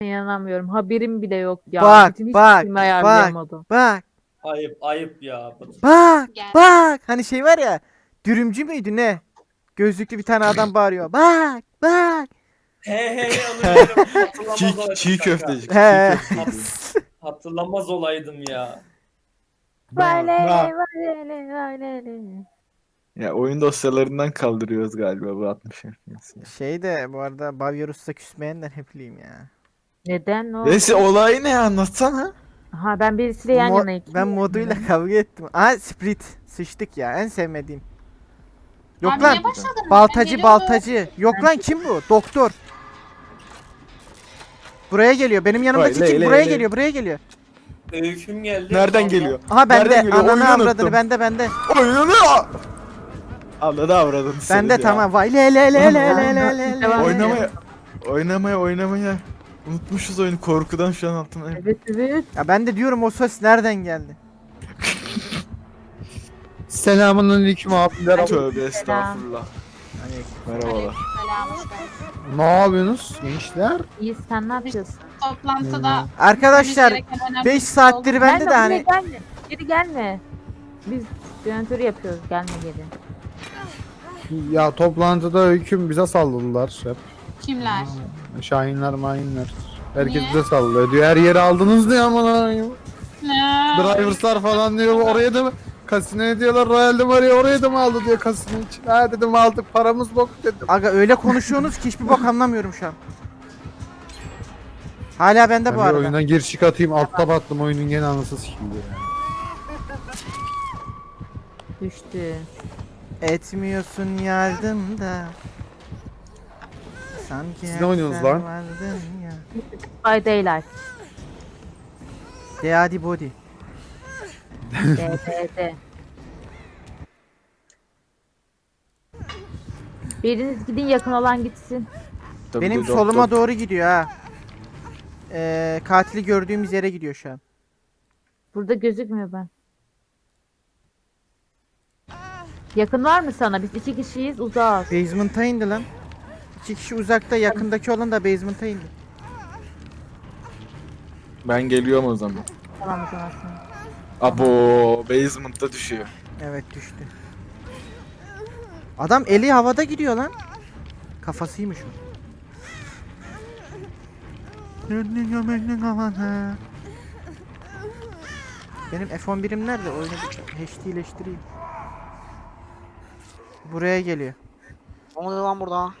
İnanamıyorum. Haberim bile yok ya. Bak Bütün hiç bak filmi bak ayarlayamadım. bak Ayıp ayıp ya. bak Gel. bak. Hani şey var ya. Dürümcü müydü ne? Gözlüklü bir tane adam bağırıyor. Bak bak. He onu bilirim. Hatırlamaz Çiğ, olaydım çiğ kanka. köfteci. Çiğ He. köfteci. Hatırlamaz olaydım ya. Valele valele valele. Ya oyun dosyalarından kaldırıyoruz galiba bu 60 FPS. ya. Şey de bu arada Bavyerus'ta küsmeyenler hep bileyim ya. Neden o? Neyse olayı ne anlatsana. Ha ben birisiyle yan yanayım. Ben moduyla kavga ettim. Aa Split. Sıçtık ya. En sevmediğim. Yok Abi lan. niye başladın? Ben Baltacı geliyordum. baltacı. Yok lan kim bu? Doktor. Buraya geliyor. Benim yanımdaki Vay, kim? ley, Buraya ley, ley. geliyor. Buraya geliyor. Öyküm geldi. Nereden Ondan- geliyor? Aha bende. Nereden geliyor? Ananı Oyunu avradını unuttum. bende. Oyunu Anladı avradını. Bende ya. tamam. Vay le le le le le le le. Devam Oynamaya. Oynamaya. Unutmuşuz oyunu korkudan şu an altına. Evet evet. Ya ben de diyorum o ses nereden geldi? Selamünaleyküm abiler. Tövbe estağfurullah. Merhabalar. Selam, hoş geldin. Ne yapıyorsunuz gençler? İyi sen ne yapıyorsun? Toplantıda Arkadaşlar gereken önemli 5 bir saattir şey bende de hani Gelme. Geri gelme. Biz yönetörü yapıyoruz. Gelme geri. Ya toplantıda öyküm bize salladılar hep. oldu. Kimler? Şahinler mayinler. Herkes Niye? bize sallıyor diyor. Her yeri aldınız diyor aman. Ne? Drivers'lar falan diyor. Oraya da mı? Kasinoya diyorlar. Royal'de mi arıyor? Oraya da mı aldı diyor kasino için. Ha dedim aldık paramız bok dedim. aga öyle konuşuyorsunuz ki hiçbir bok anlamıyorum şu an. Hala bende Ben bu bir arada. oyundan gir çık atayım altta battım oyunun gene anasını sikildi ya. Düştü. Etmiyorsun yardım da. Sanki Siz ne hep oynuyorsunuz sen lan? vardın ya. By Daylight. Deadi body. DDD. Biriniz gidin yakın olan gitsin. Tabii Benim de soluma doktor. doğru gidiyor ha. Katili gördüğümüz yere gidiyor şu an. Burada gözükmüyor ben. Yakın var mı sana? Biz iki kişiyiz uzağız. Basement'a indi lan. 2 kişi uzakta, yakındaki olan da basement'a indi. Ben geliyorum o zaman. Tamam o zaman sen. Abo basement'ta düşüyor. Evet düştü. Adam eli havada gidiyor lan. Kafasıymış o. Benim F11'im nerede? Oyunu bir HD'leştireyim. Buraya geliyor. Ne oluyor lan burada?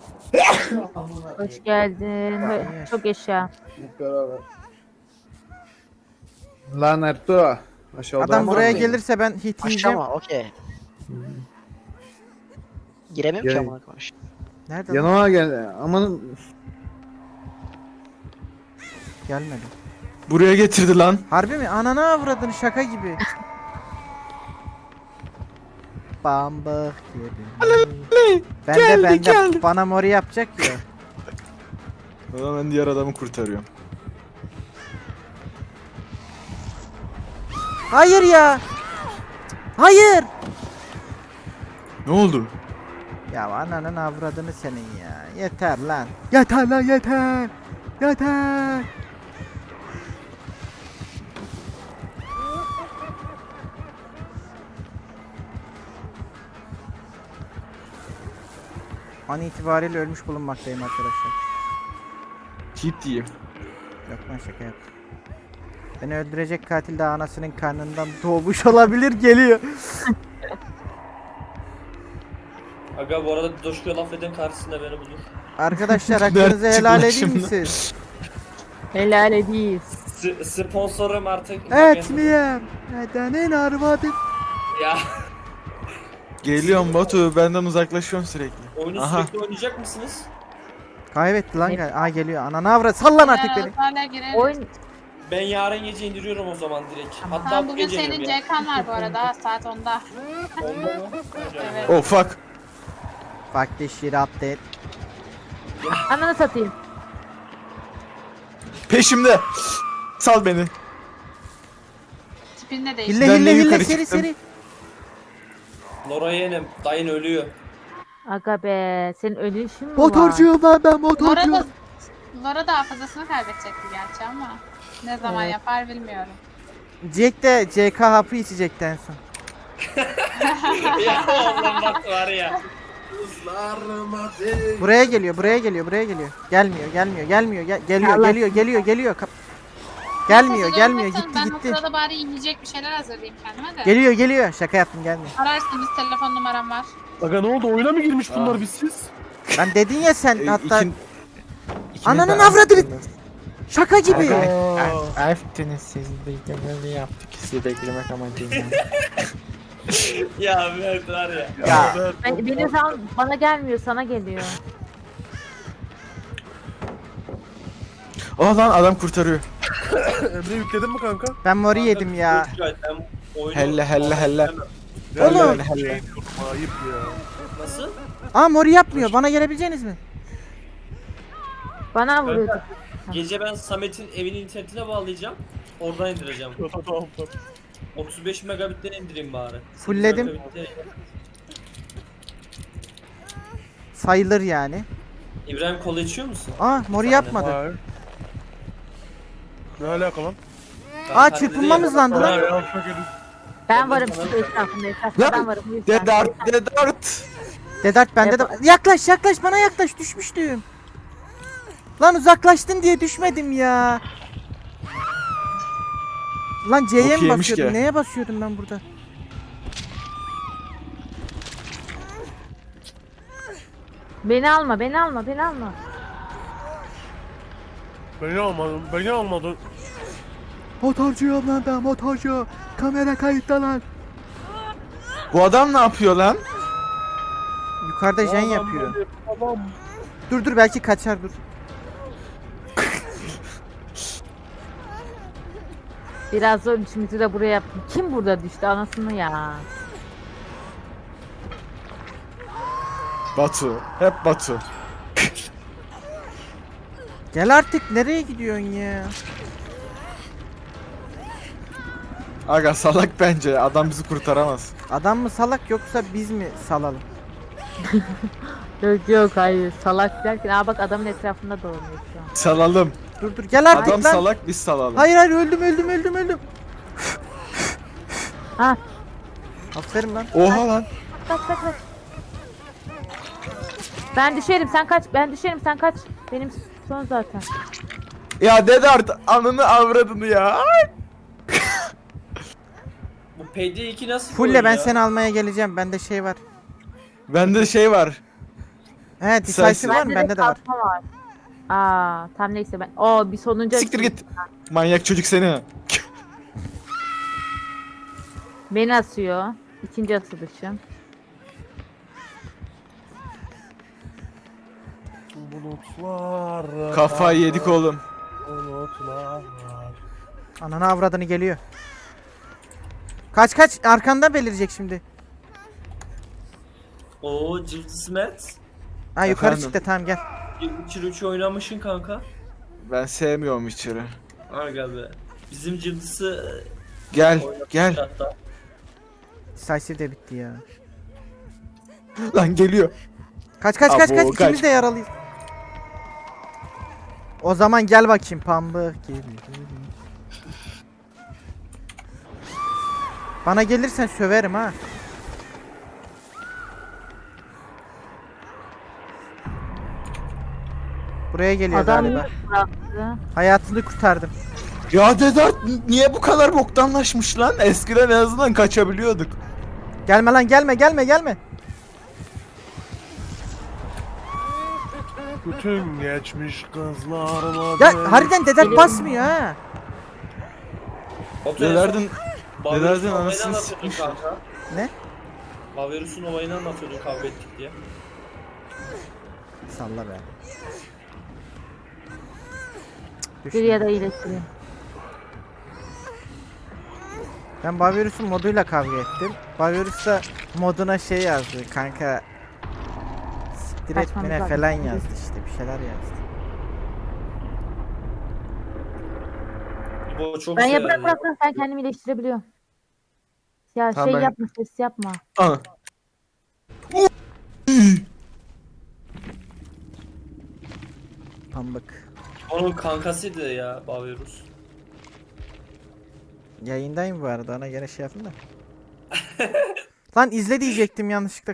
Hoş geldin. Çok yaşa. Hep beraber. Lan Ertuğ. Aşağıda Adam var buraya mı? gelirse ben hit Aşağı yiyeceğim. mı? Okey. Giremiyorum ki Gel. amına koyayım. Nerede lan? Yanıma gel. Aman Gelmedi. Buraya getirdi lan. Harbi mi? Ananı avradın şaka gibi. Bamba gibi. Bende bana mori yapacak ya. O zaman ben diğer adamı kurtarıyorum. Hayır ya. Hayır. Ne oldu? Ya ananın avradını senin ya. Yeter lan. Yeter lan yeter. Yeter. An itibariyle ölmüş bulunmaktayım arkadaşlar. Hit diyeyim. Yok lan şaka yaptım. Beni öldürecek katil de anasının karnından doğmuş olabilir geliyor. Aga bu arada Doşku'ya laf eden karşısında beni bulur. Arkadaşlar hakkınızı Dert helal çıkmış edeyim mi şimdi. siz? Helal ediyiz. Sponsorum artık. Etmeyeyim. Nedenin arvadı. Ya Geliyorum Batu benden uzaklaşıyorsun sürekli. oyunu Aha. sürekli oynayacak mısınız? Kaybetti lan. Aa geliyor. Ananı avrat. Sallan artık beni. Hala gireriz. Oyun Ben yarın gece indiriyorum o zaman direkt. Hatta Tamam bu bugün gece senin indiriyorum CK'n var bu arada saat 10'da. ya. Onda mı? Evet. Oh fuck. Bak this shit update. ananı satayım. Peşimde. Sal beni. Tipin de Hille değişti. Ben de hille hille yukarı seri çıktım. seri. Lora yeğenim. Dayın ölüyor. Aga be senin ölüşün mü var? Motorcuyum lan ben motorcuyum. Bu arada Lara daha fazlasını kaybedecekti gerçi ama. Ne zaman Evet. yapar bilmiyorum. Jack de CK hapı içecekti en son. Ya oğlum bak var ya. Buraya geliyor, buraya geliyor, buraya geliyor. Gelmiyor, gelmiyor, gelmiyor, geliyor, Allah. geliyor, geliyor, geliyor. Gelmiyor, Neyse, gelmiyor, durmasın. gitti, Ben o gitti. sırada bari yiyecek bir şeyler hazırlayayım kendime de. Geliyor, geliyor. Şaka yaptım, gelmiyor. Ararsınız, telefon numaram var. Aga ne oldu? Oyuna mı girmiş bunlar Ah. bizsiz? Lan dedin ya sen hatta İkin- ikiniz Ananın de avradını- attınız. şaka gibi. Aferin siz de böyle yaptık. Sizi beklemek amacıyla. Ya Mert var ya. Ya Benim zaman bana gelmiyor, sana geliyor. Oh lan adam kurtarıyor. Emre yükledin mi kanka? ben mori yedim ya. Ben oyunu- Helle, helle, helle. Oğlum. Helle, helle. Ayıp ya. Nasıl? Aa mori yapmıyor. Bana gelebileceğiniz mi? Bana vuruyordu. Gece ben Samet'in evinin internetine bağlayacağım. Oradan indireceğim. Tamam. 35 megabitten indireyim bari. Fullledim. 8 megabitte- Sayılır yani. İbrahim kola içiyor musun? Aa mori yapmadı. Hayır. Ne alaka lan? Aa çırpınmamız landı lan. Ya, şaka edin. Ben varım şu etrafında, etrafında ben varım. Lütfen. Dedart, Dedart. Dedart bende de. Yaklaş yaklaş bana yaklaş düşmüştüm. Lan uzaklaştın diye düşmedim ya. Lan C'ye Çok mi yemiş basıyordum? ki. Neye basıyordum ben burada? Beni alma, beni alma, beni alma. Beni almadın. Motorcuyum lan ben motorcu. Kamera kayıtta lan. Bu adam ne yapıyor lan? Yukarıda jen yapıyor. Dur dur belki kaçar dur. Biraz zor işimizi de buraya yaptım. Kim burada düştü anasını ya? Batu. Hep Batu. Gel artık nereye gidiyorsun ya? Aga salak bence. Adam bizi kurtaramaz. Adam mı salak yoksa biz mi salalım? Yok yok hayır salak derken aa bak adamın etrafında dolanıyor şu an. Salalım. Dur dur gel artık Adam lan. salak biz salalım. Hayır hayır öldüm. Ha Aferin lan. Oha lan. kaç. Ben düşerim sen kaç, ben düşerim sen kaç. Benim son zaten. Ya Dedart anını avradını ya. Bu PD2 nasıl bir Fulle oyun ben ya? seni almaya geleceğim. Bende şey var. Bende şey var. He decisive var mı? Bende de var. kalkma var. Aa tam neyse ben. O bir sonuncu. Siktir git. Manyak çocuk seni. Beni asıyor. İkinci asılışım. Bulutlar. Kafayı yedik oğlum. Bulutlar. Ananı avradını geliyor. Kaç arkanda belirecek şimdi. Oo Cıvtısı Mert. Ha yukarı Efendim? çıktı tamam gel. Witcher 3 oynamışsın kanka. Ben sevmiyorum içeri. Aga be. Bizim Cıvtısı Gel gel. hatta. Decisive de bitti ya. Lan geliyor. Kaç Abo, kaç. kaç. İkimiz de yaralıyız. O zaman gel bakayım pambık gibi. Bana gelirsen söverim ha. Buraya geliyor Adam galiba. bıraktı. Hayatını kurtardım. Ya Dedart niye bu kadar boktanlaşmış lan? Eskiden en azından kaçabiliyorduk. Gelme lan gelme. Bütün geçmiş kızlarıma Ya harbiden Dedert Geliyorum. basmıyor ha. Batu, en son Dedard'ın Bavirus'un Dedard'ın olayını anasını anlatıyordun sikmiş. kanka. Ne? Bavirus'un olayını anlatıyordun kavga ettik diye. Salla be. Bir ya da iyileştireyim. Ben Bavirus'un moduyla kavga ettim. Bavirus da moduna şey yazdı kanka. Siktir Kaçmamız etmene lazım. falan yazdı işte bir şeyler yazdı. Bu çok Ben şey ya bırak yani. bırak bırak, ben kendimi iyileştirebiliyorum. Ya Tamam, şey ben- yapma ses yapma. Ana. Pambık. Onun kankasıydı ya Bavirus. Yayındayım bu arada, ona göre şey yapın da. Lan izle diyecektim yanlışlıkla.